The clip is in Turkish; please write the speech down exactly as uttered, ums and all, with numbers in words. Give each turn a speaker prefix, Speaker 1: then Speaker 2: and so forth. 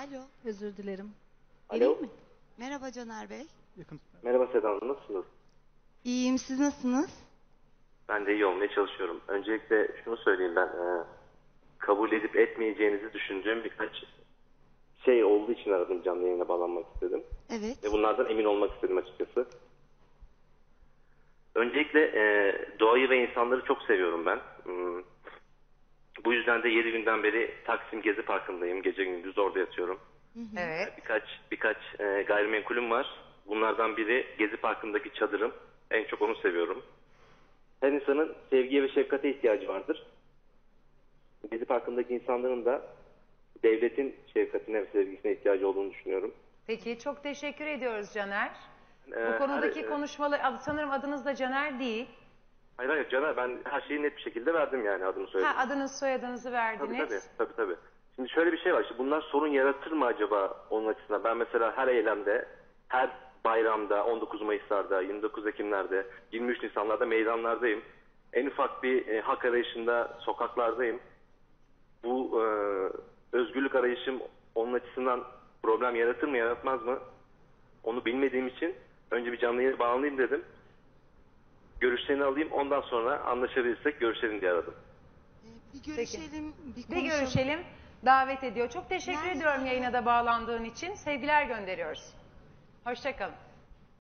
Speaker 1: Alo.
Speaker 2: Özür dilerim.
Speaker 3: Alo.
Speaker 2: Geleyim mi?
Speaker 1: Merhaba Caner Bey.
Speaker 4: Yakın.
Speaker 3: Merhaba Seda Hanım, nasılsınız?
Speaker 1: İyiyim, siz nasılsınız?
Speaker 3: Ben de iyi olmaya çalışıyorum. Öncelikle şunu söyleyeyim ben. E, kabul edip etmeyeceğinizi düşündüğüm birkaç şey olduğu için aradım, canlı yayına bağlanmak istedim.
Speaker 1: Evet.
Speaker 3: Ve bunlardan emin olmak istedim açıkçası. Öncelikle e, doğayı ve insanları çok seviyorum ben. Hmm. Bu yüzden de yedi günden beri Taksim Gezi Parkı'ndayım. Gece gündüz orada yatıyorum.
Speaker 5: Evet.
Speaker 3: Birkaç birkaç e, gayrimenkulüm var. Bunlardan biri Gezi Parkı'ndaki çadırım. En çok onu seviyorum. Her insanın sevgiye ve şefkate ihtiyacı vardır. Gezi Parkı'ndaki insanların da devletin şefkatine ve sevgisine ihtiyacı olduğunu düşünüyorum.
Speaker 5: Peki çok teşekkür ediyoruz Caner.
Speaker 3: Ee,
Speaker 5: Bu konudaki
Speaker 3: her-
Speaker 5: konuşmaları sanırım adınız da Caner değil.
Speaker 3: Hayır hayır Caner, ben her şeyi net bir şekilde verdim, yani adını söyledim.
Speaker 5: Ha, adınız soyadınızı
Speaker 3: Tabii
Speaker 5: verdiniz.
Speaker 3: tabii, tabii tabii. Şimdi şöyle bir şey var. Şimdi bunlar sorun yaratır mı acaba onun açısından? Ben mesela her eylemde, her bayramda, on dokuz Mayıs'larda, yirmi dokuz Ekim'lerde, yirmi üç Nisan'larda meydanlardayım. En ufak bir e, hak arayışında sokaklardayım. Bu e, özgürlük arayışım onun açısından problem yaratır mı yaratmaz mı? Onu bilmediğim için önce bir canlı yayına bağlanayım dedim. Görüşlerini alayım, ondan sonra anlaşabilirsek görüşelim diye aradım.
Speaker 1: Ee, bir görüşelim, bir
Speaker 5: Bir
Speaker 1: konuşalım.
Speaker 5: görüşelim. Davet ediyor. Çok teşekkür
Speaker 1: Nerede?
Speaker 5: ediyorum yayına da bağlandığın için. Sevgiler gönderiyoruz. Hoşça kalın.